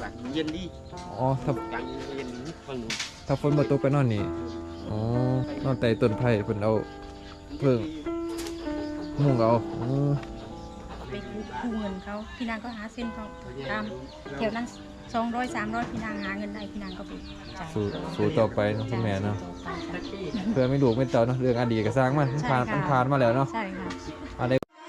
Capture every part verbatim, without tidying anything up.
แบบเย็นดีอ๋อถ้ากลางเย็นฟังหนูถ้าฝนมาตกไปนอนนี่อ๋อนอนใต้ต้นไผ่เพิ่นเอาเพิ่งมุงเอาอือไปกู้เงินเขาพี่นางก็หาเส้นเขาตามแถวนั้นสองร้อยสามร้อยพี่นางหาเงินได้พี่นางก็ไปจ่ายสู้สู้ต่อไปเนาะคุณแม่เนาะจ่ายต่อไปค่ะเพื่อไม่ดูไม่เต่าเนาะเรื่องอดีตก็สร้างมันผ่านมันผ่านมาแล้วเนาะใช่ค่ะอะไร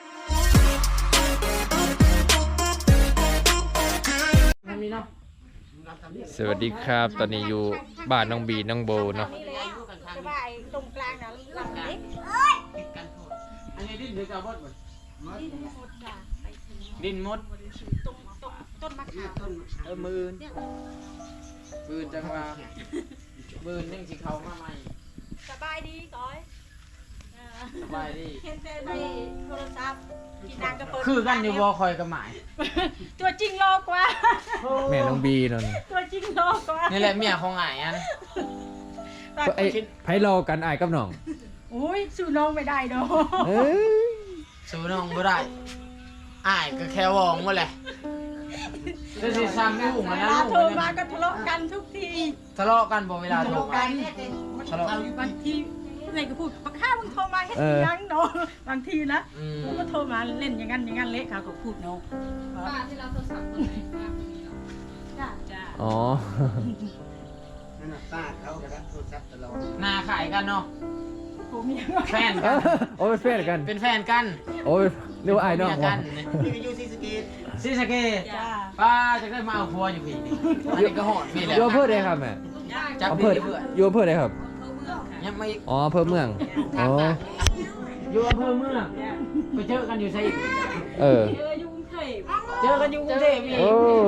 สวัสดีครับตอนนี้อยู่บ้านน้องบีน้องโบเนาะจะว่าไอ้ตรงกลางน่ะลำเล็กอันนี้ดินหรือกับมดดินหมดจ้ะไปถึงดินมดตรงตรงต้นมะขามเออมือมือจังว่ามือนึ่งสีเขามาใหม่สบายดีก้อยเออสบายดีเห็นแต่ในโทรศัพท์พี่นางก็เปิดคือกันอยู่บ่คอยกับหมายตัวจริงโลกว่าแม่น้องบีนั่นตัวจริงโลกว่านี่แหละเมียของไอ้อันไอ้ไผรอกันอายกับน้องอุ้ยสู้น้องไม่ได้เนาะเอ้ยสู้น้องบ่ได้อ้ายก็แค่วองว่าแหละจะสิซ้ำลูกมันเวนะลาลูกโทรมันมานะก็ทะเลาะกันทุกทีทะเลาะกันบ่เวลาทะโทรเลาะกักัน นทะเลาะบางทีไหนก็พูดปักข้ามึงโทรมาเฮ็ดอีหยังเนาะบางทีนะอืมมึงก็โทรมาเล่นอย่างนั้นอย่างนั้นเละเขาก็พูดเนาะป้าที่เราโทรศัพท์คนไหนป้าคนนี้เหรอจ้าจ้าอ๋อนั่นน่ะป้าเขากระดับโทรศัพท์ตลอดหน้าขายกันเนาะผมยังแฟนกันโอ้ยเป็นแฟนกันเป็นแฟนกันโอ้ยเรียกว่าอายน้องเมียวะกันนี่ก็อยู่ที่สกีซีสะเกตจ้าป้าจะได้มาเอาพัวอยู่พี่นี่อันนี้ก็โหดพี่แหละอยู่อำเภอใดครับแม่จับอำเภพี่อเพื่อนอยู่อำเภอใดครับยังไม่อ๋ออำเภอเมืองอ๋ออยู่อำเภอเมืองไปเจอกันอยู่ไสอีกเออเอออยู่กรุงเทพเจอกันอยู่กรุงเทพอีกโอ้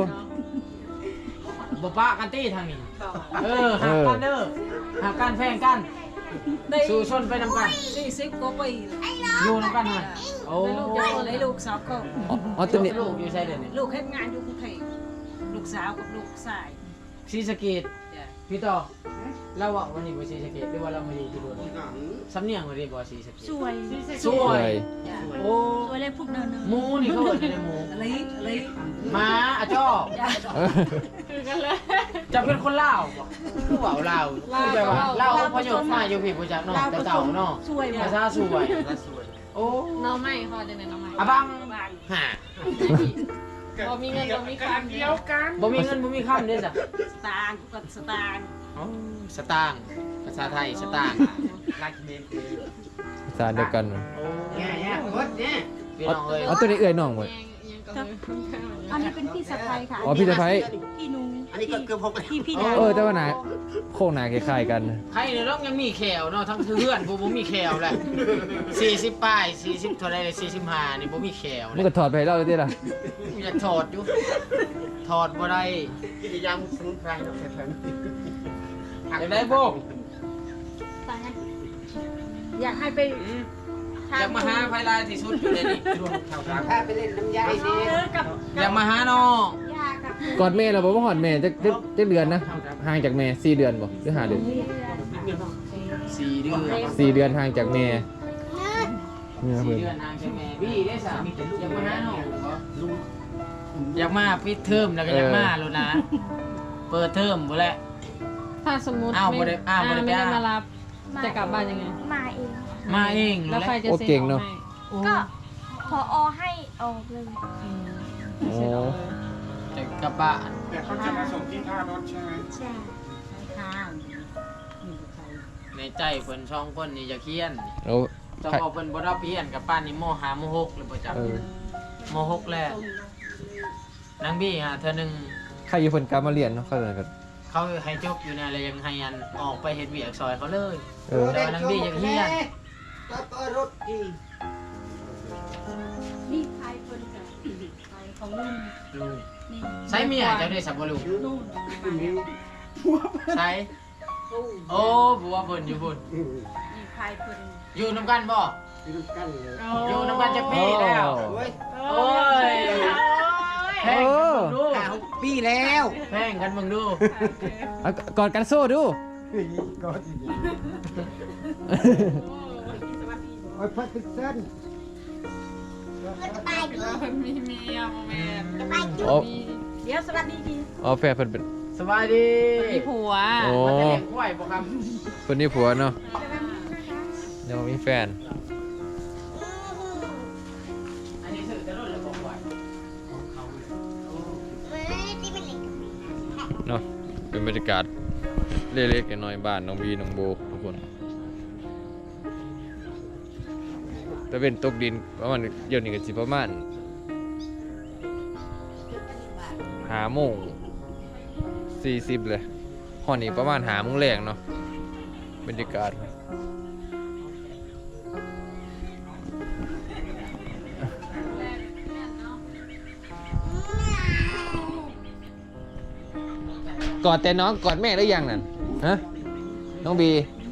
บ่ป้ากันตี้ทางนี้เออหักกันเด้อหักกันแพงกันได้สู่ชนไปนำกันสี่สิบกว่าปีอยู่นำกันหน่อยโอ้ได้ลูกเยอะเลยลูกสาวก็อ๋ออ๋อตัวนี้ลูกอยู่ไสเดี๋ยวนี้ลูกเฮ็ดงานอยู่กรุงเทพลูกสาวกับลูกชายซีสะเกตจ้ะพี่ต่อเราว่าวันนี้บ่ซีสะเกตหรือว่าเราไม่ได้ที่บ่สำเนียงบ่ได้บ่ซีสะเกตสวยสสววย ยจ้ะโอ้สวยเลยพูดเนินหมูนี่เขาเอิ้นอะไรหมูอะไรอะไรหมาอะจ้อเออคือกันเลยจะเป็นคนลาวบ่คือเว้าลาวคือแบบว่าลาวอพยพมาอยู่พี่บ่จักเนาะแต่เต่าเนาะสวยภาษาสวยโอ้น้องไม่พอจะไหนน้องไม่อะบังหาพอมีเงินก็มีคำเดียวบ่มีเงินบ่มีคำเด้จ้ะสตางค์กับสตางค์อ๋อสตางค์ภาษาไทยสตางค์ลักเมนคือภาษาเดียวกันโอ้เนี่ยเนี่ยกดเนี่ยพี่น้องเอ้ยอ๋อตัวนี้เอื่อยน้องหมดยังก็เลยอันนี้เป็นพี่สะใภ้ค่ะอ๋อพี่สะใภ้พี่นุ้งอันนี้ก็เกือบหกพี่พี่ดาเออแต่ว่าหนาโค้งหนาคล้ายๆกันใครเนี่ยน้องยังมีแขวเนาะทั้งเพื่อนบ่บ่มีแขวแหละสี่สิบป้ายสี่สิบเท่าไหร่เลยสี่สิบห้านี่บ่มีแขวมันก็ถอดไปให้เราเลยดิล่ะกูจะถอดอยู่ถอดบ่ได้กิจยามสมุนไพรเราแข็งอยากได้บ่ไปนะอยากให้ไปอืมอยากมาหาไผลายที่สุดอยู่ในนี้รวมเท่ากันถ้าไปเล่นน้ำยาไปเนี่ยเจอกับอยากมาหาน้องย่ากับกอดแม่เราบอกว่าหอดแม่จะจะจะเดือนนะห่างจากแม่สี่เดือนบ่หรือห้าเดือนสี่เดือนสี่เดือนห่างจากแม่เนี่ยสี่เพิ่นเดือนนางใช่ไหมพี่ได้สามีแต่ลูกอยากมาหาน้องบ่อยากมาปิดเทอมแล้วก็อยากมาแล้วนะ เปิดเทอมบ่แหละถ้าสมมติอ้าวบ่ได้อ้าวบ่ได้ไม่ได้ไปอ้าวมารับจะกลับบ้านยังไงมาเองมาเองแล้วใครจะโอ้เซ็นเก่งออเนาะกให้ก็พออให้ออกเลยอืมโอ้เซ็นออกเลยจะกลับบ้านแต่เขาจะมาส่งที่ท่ารถใช่ไหมใช่ข้างมีใครในใจเพิ่นสองคนนี่จะเคียนโอ้จะบอกเพิ่นบ่รับเรียนกับป้านนี่มห้ามหกหรือบ่จักเออมหกแล้วนางบี้ฮะเธอหนึงใครอยู่เพิ่นกลับมาเรียนเนาะเข้าใจกันเขาให้จบอยู่เนี่ยเลยยังให้อันออกไปเฮ็ดเวียกซอยเขาเลยเออแต่ว่านางบี้ยังเฮียนก็ก็รถกี่นี่ใครคนกับใครของนุ่นลูกนี่ใช้เมียเจ้าได้สับบ่ลูกนุ่นใช้โอ้บัวเพิ่นอยู่พุ่นนี่ใครคนอยู่นำกันบ่ที่ลูกกันเลยอยู่นำกันจะปีแล้วโอ้ยโอ้ยแพงกันมึงดูห้าหกปีแล้วแพงกันมึงดูเอากอดกันโซ่ดูก็ดีโอ้ยพัดติดเส้นแล้วมีเมียโมเมนต์โอ้มีเดี๋ยวสวัสดีดีอ๋อแฟนเพิ่นเป็นสบายดีมีผัวโอ้มันจะเลี้ยงควายบ่ครับเพิ่นนี่ผัวเนาะสวัสดีนะคะยังบ่มีแฟนอันนี้ถือจะรุ่นแล้วบ่ควายเนาะเป็นบรรยากาศเล็กๆน้อยๆบ้านน้องบีน้องโบทุกคนแต่เป็นตกดินประมาณเดี๋ยวนี้ก็สิประมาณห้าโมงสี่สิบเลยฮอดนี้ประมาณห้าโมงแรงเนาะบรรยากาศกอดแต่น้องกอดแม่ได้ยังนั่นฮะน้องบี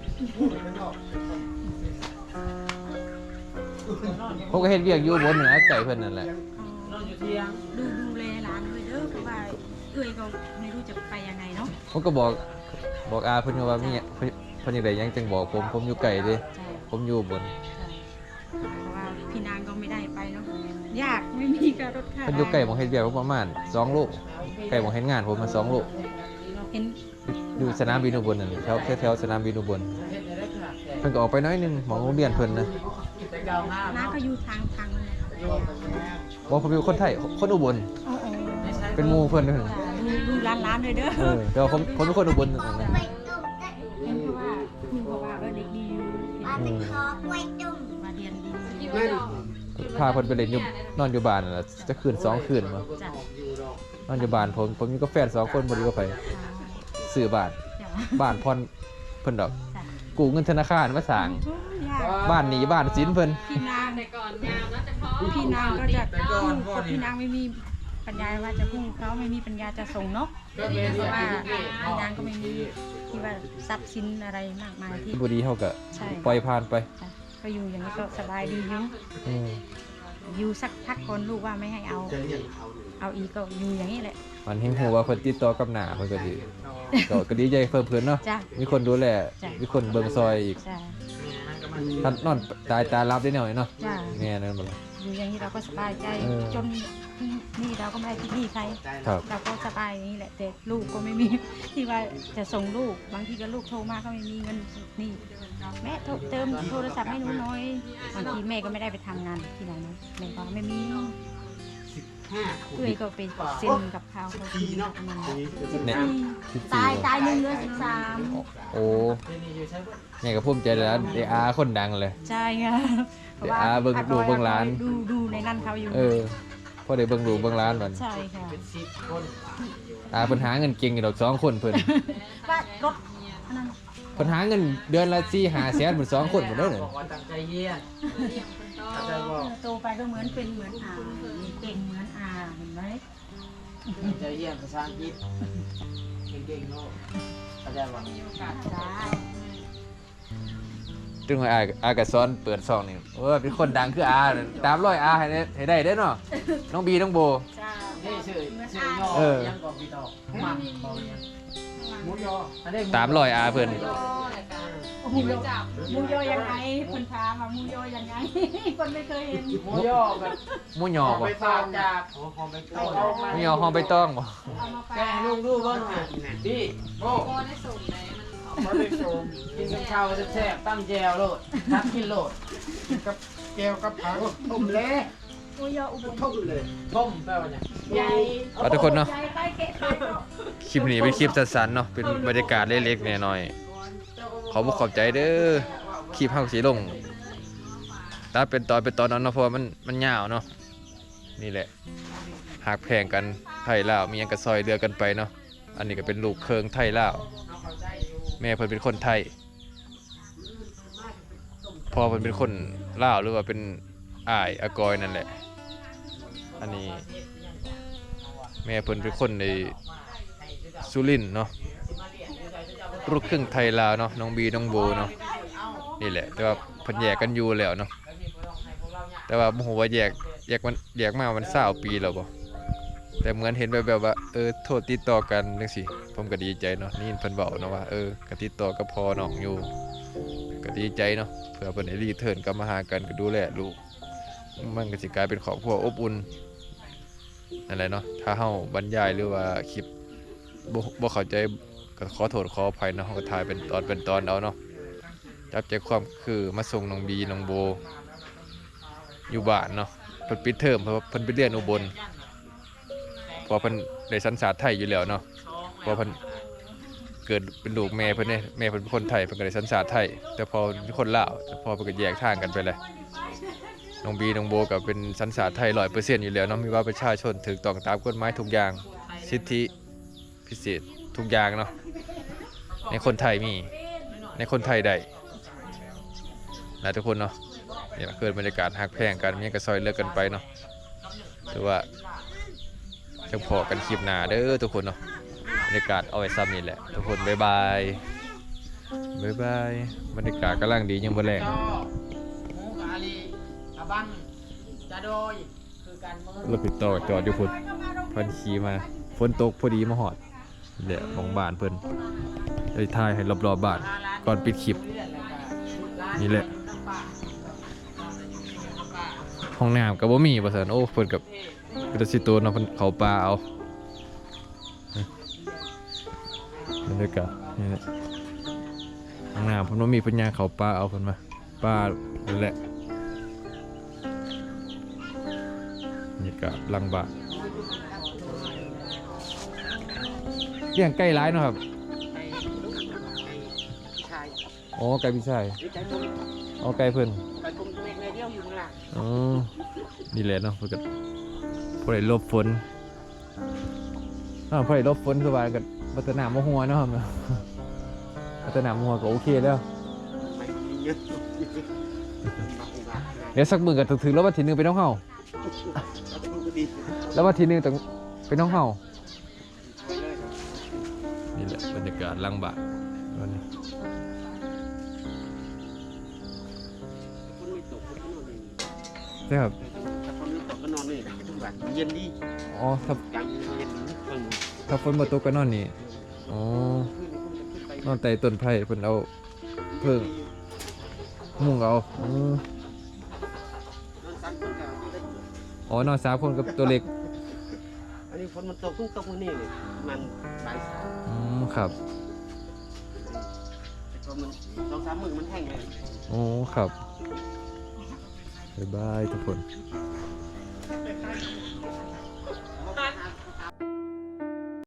ผมก็เห็นเวียกอยู่บนเหนือไก่เพิ่นนั่นแหละนอนอยู่เที่ยงดูดูแลหลานด้วยเด้อเพราะว่าเอ้ยก็ไม่รู้จะไปยังไงเนาะผมก็บอกบอกอาเพิ่นว่ามีเพิ่นเพิ่นอยากได้หยังจังบอกผมผมอยู่ไกลเด้ใช่ผมอยู่บนเพราะว่าพี่นางก็ไม่ได้ไปเนาะยากไม่มีการรถค่าเพิ่นอยู่ไกลหมองเฮ็ดเวียกประมาณสองโลไกลหมองเฮ็ดงานผมมาสองโลเห็นอยู่สนามบินอุบลนั่นแถวแถวๆสนามบินอุบลเฮ็ดได้ขนาดแก่เพิ่นก็ออกไปหน้อยหนึงหมองโรงเรียนเพิ่นนะแต่เก่าห้าน้าเนาะก็อยู่ทางทางเลยอยู่บอกผมเป็นคนไทยคนอุบลโอ้โหไม่ใช่เป็นหมู่เพิ่นเด้อดูดูร้านร้านเลยเด้อเออแต่ว่าผมผมเป็นคนอุบลนั่นนะเห็นเพราะว่าคุณบอกว่าเออเด็กดีอยู่อืมมาเรียนดีนั่นพาเพิ่นไปเล่นอยู่นอนอยู่บ้านนั่นล่ะจะคืนสองคืนบ่จ้ะอยู่ดอกนอนอยู่บ้านผมผมอยู่กับแฟนสองคนบ่ได้อยู่กับไผซื้อบ้านจ้ะบ้านผ่อนเพิ่นดอกจ้ะกู้เงินธนาคารมาสร้างยากบ้านหนีบ้านสินเพิ่นพี่นางแต่ก่อนงามนะแต่พอพี่นางก็จะพูดเพราะพี่นางไม่มีปัญญาว่าจะพูดเขาไม่มีปัญญาจะส่งเนาะก็เป็นเพเรื่อราะงว่าที่พี่นางก็ไม่มีที่ว่าทรัพย์สินอะไรมากมายที่บ่ดีเฮาก็ใช่ปล่อยผ่านไปจ้ะก็อยู่อย่างนี้ก็สบายดีอยู่อืมอยู่สักพักคนลูกว่าไม่ให้เอาจะเลี้ยงเขาหนึ่งเอาอีกก็อยู่อย่างนี้แหละมันเห็นฮู้ว่าเพิ่นติดต่อกับหน้าเพิ่นก็ดีก็ก็ดีใจเพิ่มเพิ่นเนาะจ้ะมีคนดูแลจ้ะมีคนเบิ่งซอยอีกจ้ะท่านนอนตายตารับได้หน่อยเนาะจ้ะแม่นั่นบ่ล่ะอยู่อย่างนี้เราก็สบายใจเออจนนี่เราก็ไม่ได้คิดหนี้ใครครับเราก็สบายอย่างนี้แหละแต่ลูกก็ไม่มี ที่ว่าจะส่งลูกบางทีก็ลูกโทรมาก็ไม่มีเงินนี่แม่โทรเติมโทรศัพท์ให้หนูหน่อยบางทีแม่ก็ไม่ได้ไปทำงานที่ไหนนะแม่ก็ไม่มีห้าคนเอ้ยก็ไปเซ็นกับเขาเขาทีเนาะทำงานทีเนี่ยสิบตาสี่ยตายหนึ่งเหลือสิบสามโอ้แม่ก็ภูมิใจแล้วได้อาคนดังเลยใช่ไงเดี๋ยวอาเบิ่งดูเบิ่งร้านดูดูในนั่นเขาอยู่เออพอได้เบิ่งดูเบิ่งร้านบัดใช่ค่ะเป็นสิบคนอาเพิ่นหาเงินเก่งอยู่ดอกสองคนเพิ่นว่ารถอันนั้นเพิ่นหาเงินเดือนละสี่ห้าแสนเพิ่นสองคนหมดเด้อเนี่ยบอกว่าตั้งใจเยี่ยนตั้งใจบอกโตไปก็เหมือนเป็นเหมือนอาเก่งเหมือนอาเห็นไหมตั้งใจเยี่ยนภาษาอังกฤษเก่งๆเนาะเข้าใจบ่จ้าจึงว่าอาอาก็สอนเปิดซองนี่โอ้ยเป็นคนดังคืออาตามรอยอาให้ได้ให้ได้เด้อเนาะน้องบีน้องโบจ้านี่ชื่อชื่อย่อเออยังก่อนพี่ตอกมันบอกยังหมูยออันนี้ตามรอยอาเพิ่นหมูยอหมูยอยังไงคนถามว่าหมูยอยังไง คนไม่เคยเห็นหมูย่อกับหมูหยอบ่ไปฝากจากโอ้หอมไปเอาต้เอามมาหมูหยอห้องใบตองบ่เอามาฝาแกให้ลูกดูบ้างอ่ะพี่โอ้พอได้ส่งไหนมันมาได้ชมกินกับข้าวแซ่บๆตั้งแจวโลดทักกินโลดกับแก้วกับผักต้มเละหมูยออุบลต้มเลยต้มแปลว่าไงใหญ่เอาทุกคนเนาะใหญ่ไปเกะไปเนาะคลิปนี้เป็นคลิปสั้นๆเนาะเป็นบรรยากาศเล็กๆน้อยๆขอบอกขอบใจเด้อคลิปเฮาสิลงถ้าเป็นตอนเป็นตอนนั้นเนาะเพราะว่ามันมันยาวเนาะนี่แหละหากแพงกันไทยลาวมีหยังก็ซอยเดือกันไปเนาะอันนี้ก็เป็นลูกเคิงไทยลาวแม่เพิ่นเป็นคนไทยพ่อเพิ่นเป็นคนลาวหรือว่าเป็นอ้ายอากอยนั่นแหละอันนี้แม่เพิ่นเป็นคนในสุรินทร์เนาะลูกครึ่งไทยลาวเนาะน้องบีน้องโบเนาะนี่แหละแต่ว่าเพิ่นแยกกันอยู่แล้วเนาะแต่ว่าบ่ฮู้ว่าแยกแยกมันแยกมามันเศร้าปีแล้วบ่แต่เหมือนเห็นแบบแบบว่าเออโทษติดต่อกันจังซี่ผมก็ดีใจเนาะนี่เพิ่นเว้าเนาะว่าเออก็ติดต่อกับพ่อน้องอยู่ก็ดีใจเนาะเผื่อเพิ่นได้รีเทิร์นกลับมาหากันก็ดูแลลูกมันก็สิกลายเป็นครอบครัวอบอุ่นนั่นแหละเนาะถ้าเฮาบรรยายหรือว่าคลิปบ่บ่เข้าใจก็ขอโทษขออภัยเนาะเฮาก็ถ่ายเป็นตอนเป็นตอนเอาเนาะจับใจความคือมาส่งน้องบีน้องโบอยู่บ้านเนาะเพิ่นปิดเทอมเพราะว่าเพิ่นไปเรียนอุบลเพราะเพิ่นได้สัญชาติไทยอยู่แล้วเนาะเพราะเพิ่นเกิดเป็นลูกแม่เพิ่นเนี่ยแม่เพิ่นเป็นคนไทยเพิ่นก็ได้สัญชาติไทยแต่พอเป็นคนลาวแต่พอเพิ่นก็แยกทางกันไปเลยน้องบีน้องโบก็เป็นสัญชาติไทย ร้อยเปอร์เซ็นต์ อยู่แล้วเนาะมีว่าประชาชนถูกต้องตามกฎหมายทุกอย่างสิทธิพิเศษทุกอย่างเนาะในคนไทยมีในคนไทยได้นะทุกคนเนาะนี่แหละคือบรรยากาศฮักแพงกันมีหยังก็ซอยเลิกกันไปเนาะถือว่าจังพอกันคลิปหน้าเด้อทุกคนเนาะบรรยากาศเอาไว้ซ้ำนี่แหละทุกคนบ๊ายบายบ๊ายบายบรรยากาศกำลังดียังบ่แรงหมูกะอาลีอาบังจะโดยคือการเมืองรถปิดต่อจอดอยู่พุ่นเพิ่นขี่มาฝนตกพอดีมาหอดนี่แหละของบ้านเพิ่นเลยถ่ายให้รอบๆบ้านก่อนปิดคลิปนี่แหละห้องน้ำก็บ่มีว่าซั่นโอ้เพิ่นกับเป็นตาสิโตนเนาะเพิ่นเข้าป่าเอาบรรยากาศนี่แหละห้องน้ำเพิ่นบ่มีเพิ่นย่างเข้าป่าเอาเพิ่นมาป่านั่นแหละบรรยากาศหลังบ้านเลี้ยงไก่หลายเนาะครับชายอ๋อไก่พี่ชายนี่ใจผมอ๋อไก่เพิ่นไปผมตัวเองในเดียวอยู่ข้างหลังอ๋อนี่แหละเนาะเพิ่นก็บ่ได้หลบฝนอ้าวบ่ได้หลบฝนคือว่าก็บ่ตะน้ำบ่หัวเนาะครับบ่ตะน้ำบ่หัวก็โอเคแล้วไม่มีเยอะมาอุบาทเดี๋ยวสักมื้อก็ต้องถึงแล้ววันที่หนึ่งเป็นน้องเฮาเราจะดูก็ดีแล้ววันที่หนึ่งต้องเป็นน้องเฮาไปเลยนี่แหละบรรยากาศหลังบ้านวันนี้คนไม่ตกคนก็นอนนี่ใช่ครับถ้าคนไม่ตกก็นอนนี่ทุกวันเย็นดีอ๋อถ้ากลางเย็นข้างถ้าฝนบ่ตกก็นอนนี่อ๋อขึ้นขึ้นไปนอนใต้ต้นไผ่เพิ่นเอาเพิ่งมุงเอาอืมนอนสามคนกับที่ได้อ๋อนอนสามคนกับตัวเล็กอันนี้ฝนมันตกเพิ่งตกวันนี้เลยมันบ่ายสามอืมครับแต่พอมันสองสามมื้อมันแห้งเลยโอ้ครับบ๊ายบายทุกคน